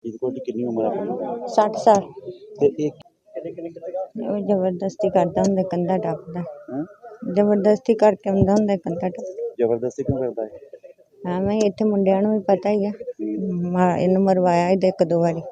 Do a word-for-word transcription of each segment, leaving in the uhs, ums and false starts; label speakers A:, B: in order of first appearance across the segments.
A: ਫਰੀਦਕੋਟ ਦੀ ਕਿੰਨੀ ਉਮਰ ਆਪਣੀ
B: ਸੱਠ ਸਾਲ।
A: ਤੇ ਇਹ
B: ਉਹ ਜ਼ਬਰਦਸਤੀ ਕਰਦਾ ਹੁੰਦਾ, ਕੰਧਾ ਟੱਪਦਾ।
A: ਹਾਂ
B: ਜ਼ਬਰਦਸਤੀ ਕਰਕੇ ਆਉਂਦਾ ਹੁੰਦਾ, ਕੰਧਾ ਟੱਪ।
A: ਜ਼ਬਰਦਸਤੀ ਕਿਉਂ ਕਰਦਾ ਹੈ?
B: ਐਵੇਂ ਹੀ ਇੱਥੇ ਮੁੰਡਿਆਂ ਨੂੰ ਵੀ ਪਤਾ ਹੀ ਆ। ਮਾ- ਇਹਨੂੰ ਮਰਵਾਇਆ ਹੀ ਇੱਕ ਦੋ ਵਾਰੀ।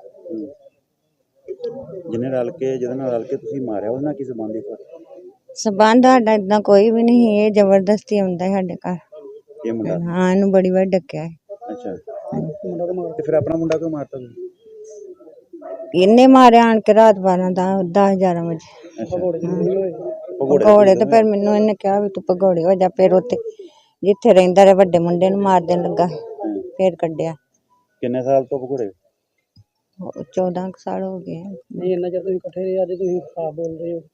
A: ਜਿਹਨੇ ਰਲ ਕੇ ਜਿਹਦੇ ਨਾਲ ਰਲ ਕੇ ਤੁਸੀਂ ਮਾਰਿਆ ਉਹਦੇ ਨਾਲ ਕੀ ਸੰਬੰਧ ਹੈ?
B: ਸਬੰਧ ਸਾਡਾ ਏਦਾਂ ਕੋਈ ਵੀ ਨਹੀਂ। ਇਹ ਜ਼ਬਰਦਸਤੀ ਆਉਂਦਾ ਹੈ ਸਾਡੇ ਘਰ।
A: ਇਹ ਮੁੰਡਾ?
B: ਹਾਂ, ਇਹਨੂੰ ਬੜੀ ਵਾਰ ਡੱਕਿਆ ਹੈ।
A: ਅੱਛਾ, ਤੇ ਫਿਰ ਆਪਣਾ ਮੁੰਡਾ ਕਿਉਂ ਮਾਰਤਾ ਤੁਸੀਂ?
B: ਇਹਨੇ ਮਾਰਿਆ ਆਣ ਕੇ ਰਾਤ ਬਾਰਾਂ ਦਾ ਦਸ ਗਿਆਰਾਂ ਵਜੇ। ਭਗੌੜੇ ਤੇ ਫਿਰ ਮੈਨੂੰ ਇਹਨੇ ਕਿਹਾ ਵੀ ਤੂੰ ਭਗੌੜੇ ਹੋ ਜਾ। ਫਿਰ ਉੱਥੇ ਜਿੱਥੇ ਰਹਿੰਦਾ ਰਿਹਾ ਵੱਡੇ ਮੁੰਡੇ ਨੂੰ ਮਾਰ ਦੇਣ ਲੱਗਾ, ਫਿਰ ਕੱਢਿਆ।
A: ਕਿੰਨੇ ਸਾਲ ਤੋਂ ਭਗੌੜੇ?
B: ਚੌਦਾਂ ਕੁ ਸਾਲ ਹੋ ਗਏ।
C: ਨਹੀਂ ਇੰਨਾ ਚਿਰ ਤੁਸੀਂ ਇਕੱਠੇ ਰਹੇ, ਅੱਜ ਤੁਸੀਂ ਖਰਾਬ ਬੋਲ ਰਹੇ ਹੋ।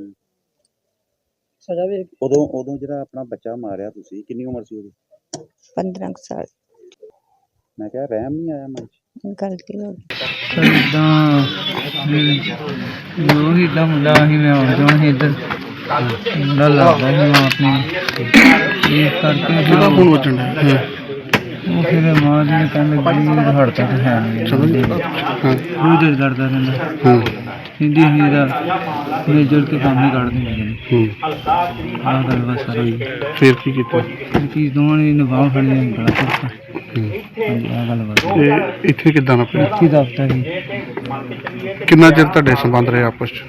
C: ਸਜ਼ਾ ਵੀ
A: ਉਦੋਂ ਉਦੋਂ ਜਿਹੜਾ ਆਪਣਾ ਬੱਚਾ ਮਾਰਿਆ ਤੁਸੀਂ, ਕਿੰਨੀ ਉਮਰ ਸੀ ਉਹਦੀ?
B: ਪੰਦਰਾਂ ਕੁ ਸਾਲ।
A: ਮੈਂ ਕਿਹਾ ਰਹਿਮ ਨਹੀਂ ਆਇਆ ਮਨ 'ਚ?
B: ਗਲਤੀ ਹੋ ਗਈ।
C: ਇੱਦਾਂ ਜੋ ਹੀ ਇੱਦਾਂ ਮੁੰਡਾ ਸੀ, ਮੈਂ ਆਉਂਦਾ ਸੀ ਇੱਧਰ ਮੁੰਡਾ ਲੱਗਦਾ ਸੀ ਮੈਂ ਆਪਣੇ ਇਸ ਕਰਕੇ ਫਿਰ
D: ਫੋਨ ਵੱਜਣ ਡਿਆ।
C: ਉਹ ਫਿਰ ਮਾਂ ਜੀ ਨੇ ਕਹਿਣ ਲੱਗੀ ਹੜਤਾ ਤਾਂ ਹੈ ਨਹੀਂ, ਉਹ ਦਿਲ ਕਰਦਾ ਰਹਿੰਦਾ। ਕਹਿੰਦੀ ਅਸੀਂ ਇਹਦਾ ਮਿਲ ਜੁਲ ਕੇ ਕੰਮ ਹੀ ਕੱਢ ਦਿੰਦੇ ਨੇ। ਆਹ ਗੱਲ ਬਸ ਸਾਰੀ।
D: ਫਿਰ ਕੀ ਕੀਤਾ?
C: ਫਿਰ ਕੀ ਦੋਵਾਂ ਨੇ ਨਿਭਾਉ ਫੜੀ ਗਲਾ ਘੁੱਟਤਾ। ਹਾਂਜੀ, ਆਹ ਗੱਲ ਬਸ।
D: ਤੇ ਇੱਥੇ ਕਿੱਦਾਂ ਨਾ ਪਿਆ?
C: ਇੱਥੇ ਦਫਤਰ ਸੀ।
D: ਕਿੰਨਾ ਚਿਰ ਤੁਹਾਡੇ ਸੰਬੰਧ ਰਹੇ ਆਪਸ 'ਚ?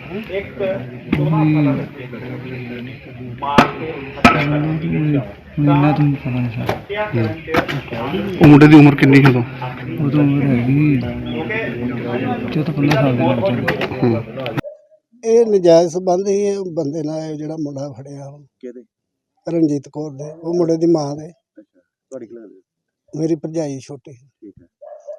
C: ਮਹੀਨਾ ਤੋਂ ਪਤਾ ਨਹੀਂ ਸਰ।
D: ਉਹ ਮੁੰਡੇ ਦੀ ਉਮਰ ਕਿੰਨੀ ਸੀ ਉਦੋਂ?
C: ਉਦੋਂ ਉਮਰ ਹੈਗੀ ਚੌਦਾਂ ਪੰਦਰਾਂ ਸਾਲ ਦੇ ਵਿੱਚ।
E: ਇਹ ਨਜਾਇਜ਼ ਸੰਬੰਧ ਹੀ ਇਹ ਬੰਦੇ ਨਾਲ ਇਹ ਜਿਹੜਾ ਮੁੰਡਾ ਫੜਿਆ
A: ਕਿਹਦੇ?
E: ਰਣਜੀਤ ਕੌਰ ਦੇ, ਉਹ ਮੁੰਡੇ ਦੀ ਮਾਂ ਦੇ।
A: ਅੱਛਾ, ਤੁਹਾਡੀ ਕੀ ਲੱਗਦੀ?
E: ਮੇਰੀ ਭਰਜਾਈ ਛੋਟੀ।
A: ਠੀਕ ਹੈ।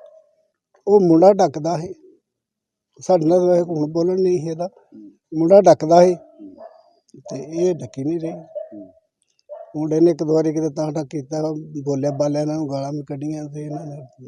E: ਉਹ ਮੁੰਡਾ ਡੱਕਦਾ ਸੀ ਸਾਡੇ ਨਾਲ, ਵੈਸੇ ਹੁਣ ਬੋਲਣ ਨਹੀਂ ਸੀ ਇਹਦਾ। ਮੁੰਡਾ ਡੱਕਦਾ ਸੀ ਤੇ ਇਹ ਡੱਕੀ ਨਹੀਂ ਰਹੀ। ਮੁੰਡੇ ਨੇ ਇੱਕ ਦੋ ਵਾਰੀ ਕਿਤੇ ਤਾਂ ਟੱਕ ਕੀਤਾ, ਬੋਲਿਆ ਬਾਲਿਆ, ਇਹਨਾਂ ਨੂੰ ਗਾਲਾਂ ਵੀ ਕੱਢੀਆਂ ਤੇ ਇਹਨਾਂ ਨੇ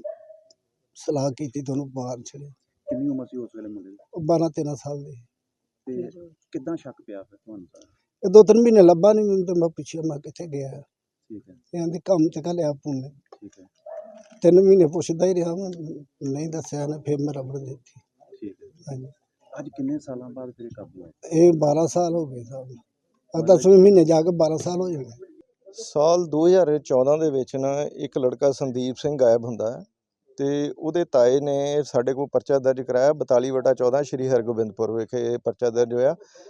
E: ਸਲਾਹ ਕੀਤੀ ਤੇ ਉਹਨੂੰ ਮਾਰ ਛੱਡਿਆ।
A: ਕਿੰਨੀ ਉਮਰ ਸੀ ਉਸ ਵੇਲੇ ਮੁੰਡੇ ਦੀ?
E: ਉਹ ਬਾਰਾਂ ਤੇਰਾਂ ਸਾਲ ਦੇ।
A: ਤੇ ਕਿੱਦਾਂ ਸ਼ੱਕ ਪਿਆ ਫਿਰ ਤੁਹਾਨੂੰ?
E: ਇਹ ਦੋ ਤਿੰਨ ਮਹੀਨੇ ਲੱਭਾ ਨਹੀਂ ਮੈਨੂੰ, ਤੇ ਮੈਂ ਪੁੱਛਿਆ ਮੈਂ ਕਿੱਥੇ ਗਿਆ।
A: ਠੀਕ ਹੈ।
E: ਕਹਿੰਦੇ ਕੰਮ ਤੇ ਘੱਲਿਆ ਪੁੰਨੇ।
A: ਠੀਕ ਹੈ।
E: ਤਿੰਨ ਮਹੀਨੇ ਪੁੱਛਦਾ ਹੀ ਰਿਹਾ ਮੈਂ, ਨਹੀਂ ਦੱਸਿਆ ਨਾ, ਫਿਰ ਮੈਂ ਰਬੜ ਦਿੱਤੀ।
A: ਠੀਕ ਹੈ।
E: ਹਾਂਜੀ।
A: ਅੱਜ ਕਿੰਨੇ ਸਾਲਾਂ ਬਾਅਦ ਫਿਰ ਕਾਬੂ ਆਇਆ?
E: ਇਹ ਬਾਰਾਂ ਸਾਲ ਹੋ ਗਏ ਸਾਹਿਬ। ਆ ਦਸਵੇਂ ਮਹੀਨੇ ਜਾ ਕੇ ਬਾਰਾਂ ਸਾਲ ਹੋ ਜਾਣੇ।
F: ਸਾਲ ਦੋ ਹਜ਼ਾਰ ਚੌਦਾਂ ਦੇ ਵਿੱਚ ਨਾ ਇੱਕ ਲੜਕਾ ਸੰਦੀਪ ਸਿੰਘ ਗਾਇਬ ਹੁੰਦਾ ਹੈ ਅਤੇ ਉਹਦੇ ਤਾਏ ਨੇ ਸਾਡੇ ਕੋਲ ਪਰਚਾ ਦਰਜ ਕਰਾਇਆ ਬਤਾਲੀ ਵਟਾ ਚੌਦਾਂ ਸ਼੍ਰੀ ਹਰਗੋਬਿੰਦਪੁਰ ਵਿਖੇ ਪਰਚਾ ਦਰਜ ਹੋਇਆ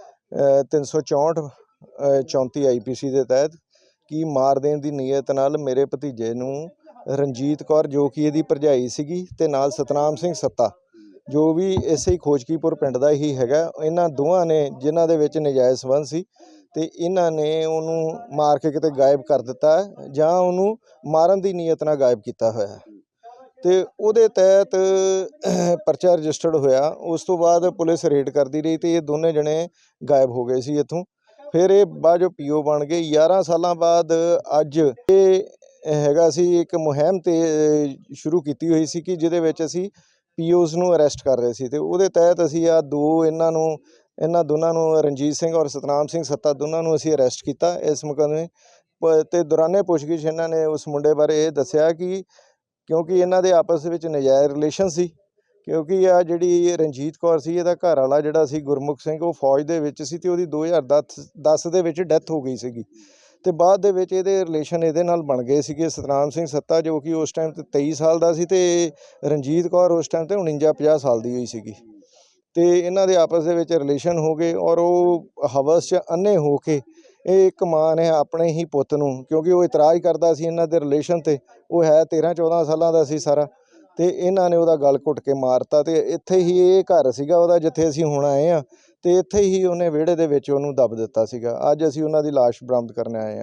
F: ਤਿੰਨ ਸੌ ਚੌਂਹਠ ਚੌਂਤੀ ਆਈ ਪੀ ਸੀ ਦੇ ਤਹਿਤ ਕਿ ਮਾਰ ਦੇਣ ਦੀ ਨੀਅਤ ਨਾਲ ਮੇਰੇ ਭਤੀਜੇ ਨੂੰ ਰਣਜੀਤ ਕੌਰ ਜੋ ਕਿ ਇਹਦੀ ਭਰਜਾਈ ਸੀਗੀ ਅਤੇ ਨਾਲ ਸਤਨਾਮ ਸਿੰਘ ਸੱਤਾ ਜੋ ਵੀ ਇਸੇ ਹੀ ਖੋਜਕੀਪੁਰ ਪਿੰਡ ਦਾ ਹੀ ਹੈਗਾ, ਇਹਨਾਂ ਦੋਵਾਂ ਨੇ ਜਿਨ੍ਹਾਂ ਦੇ ਵਿੱਚ ਨਜਾਇਜ਼ ਸੰਬੰਧ ਸੀ ਅਤੇ ਇਹਨਾਂ ਨੇ ਉਹਨੂੰ ਮਾਰ ਕੇ ਕਿਤੇ ਗਾਇਬ ਕਰ ਦਿੱਤਾ ਜਾਂ ਉਹਨੂੰ ਮਾਰਨ ਦੀ ਨੀਅਤ ਨਾਲ ਗਾਇਬ ਕੀਤਾ ਹੋਇਆ ਅਤੇ ਉਹਦੇ ਤਹਿਤ ਪਰਚਾ ਰਜਿਸਟਰਡ ਹੋਇਆ। ਉਸ ਤੋਂ ਬਾਅਦ ਪੁਲਿਸ ਰੇਡ ਕਰਦੀ ਰਹੀ ਅਤੇ ਇਹ ਦੋਨੇ ਜਣੇ ਗਾਇਬ ਹੋ ਗਏ ਸੀ ਇੱਥੋਂ। ਫਿਰ ਇਹ ਬਾਅਦ ਜੋ ਪੀ ਓ ਬਣ ਗਏ। ਗਿਆਰਾਂ ਸਾਲਾਂ ਬਾਅਦ ਅੱਜ ਇਹ ਹੈਗਾ ਸੀ ਇੱਕ ਮੁਹਿੰਮ ਤੇ ਸ਼ੁਰੂ ਕੀਤੀ ਹੋਈ ਸੀ ਕਿ ਜਿਹਦੇ ਵਿੱਚ ਅਸੀਂ ਪੀ ਓਜ਼ ਨੂੰ ਅਰੈਸਟ ਕਰ ਰਹੇ ਸੀ ਅਤੇ ਉਹਦੇ ਤਹਿਤ ਅਸੀਂ ਆਹ ਦੋ ਇਹਨਾਂ ਨੂੰ ਇਹਨਾਂ ਦੋਨਾਂ ਨੂੰ ਰਣਜੀਤ ਸਿੰਘ ਔਰ ਸਤਨਾਮ ਸਿੰਘ ਸੱਤਾ ਦੋਨਾਂ ਨੂੰ ਅਸੀਂ ਅਰੈਸਟ ਕੀਤਾ ਇਸ ਮੁਕੱਦਮੇ ਅਤੇ ਦੌਰਾਨੇ ਪੁੱਛਗਿੱਛ ਇਹਨਾਂ ਨੇ ਉਸ ਮੁੰਡੇ ਬਾਰੇ ਇਹ ਦੱਸਿਆ ਕਿ ਕਿਉਂਕਿ ਇਹਨਾਂ ਦੇ ਆਪਸ ਵਿੱਚ ਨਜਾਇਜ਼ ਰਿਲੇਸ਼ਨ ਸੀ, ਕਿਉਂਕਿ ਆ ਜਿਹੜੀ ਰਣਜੀਤ ਕੌਰ ਸੀ ਇਹਦਾ ਘਰ ਵਾਲਾ ਜਿਹੜਾ ਸੀ ਗੁਰਮੁਖ ਸਿੰਘ ਉਹ ਫੌਜ ਦੇ ਵਿੱਚ ਸੀ ਅਤੇ ਉਹਦੀ ਦੋ ਹਜ਼ਾਰ ਦਸ ਦਸ ਦੇ ਵਿੱਚ ਡੈਥ ਹੋ ਗਈ ਸੀਗੀ ਅਤੇ ਬਾਅਦ ਦੇ ਵਿੱਚ ਇਹਦੇ ਰਿਲੇਸ਼ਨ ਇਹਦੇ ਨਾਲ ਬਣ ਗਏ ਸੀਗੇ। ਸਤਨਾਮ ਸਿੰਘ ਸੱਤਾ ਜੋ ਕਿ ਉਸ ਟਾਈਮ 'ਤੇ ਤੇਈ ਸਾਲ ਦਾ ਸੀ ਅਤੇ ਰਣਜੀਤ ਕੌਰ ਉਸ ਟਾਈਮ 'ਤੇ ਉਣੰਜਾ ਪੰਜਾਹ ਸਾਲ ਦੀ ਹੋਈ ਸੀਗੀ ਅਤੇ ਇਹਨਾਂ ਦੇ ਆਪਸ ਦੇ ਵਿੱਚ ਰਿਲੇਸ਼ਨ ਹੋ ਗਏ ਔਰ ਉਹ ਹਵਸ 'ਚ ਅੰਨੇ ਹੋ ਕੇ ਇਹ ਇੱਕ ਮਾਂ ਨੇ ਆਪਣੇ ਹੀ ਪੁੱਤ ਨੂੰ, ਕਿਉਂਕਿ ਉਹ ਇਤਰਾਜ਼ ਕਰਦਾ ਸੀ ਇਹਨਾਂ ਦੇ ਰਿਲੇਸ਼ਨ 'ਤੇ, ਉਹ ਹੈ ਤੇਰ੍ਹਾਂ ਚੌਦ੍ਹਾਂ ਸਾਲਾਂ ਦਾ ਸੀ ਸਾਰਾ, ਅਤੇ ਇਹਨਾਂ ਨੇ ਉਹਦਾ ਗਲ ਘੁੱਟ ਕੇ ਮਾਰਤਾ ਅਤੇ ਇੱਥੇ ਹੀ ਇਹ ਘਰ ਸੀਗਾ ਉਹਦਾ ਜਿੱਥੇ ਅਸੀਂ ਹੁਣ ਆਏ ਹਾਂ ਅਤੇ ਇੱਥੇ ਹੀ ਉਹਨੇ ਵਿਹੜੇ ਦੇ ਵਿੱਚ ਉਹਨੂੰ ਦੱਬ ਦਿੱਤਾ ਸੀਗਾ। ਅੱਜ ਅਸੀਂ ਉਹਨਾਂ ਦੀ ਲਾਸ਼ ਬਰਾਮਦ ਕਰਨ ਆਏ ਹਾਂ।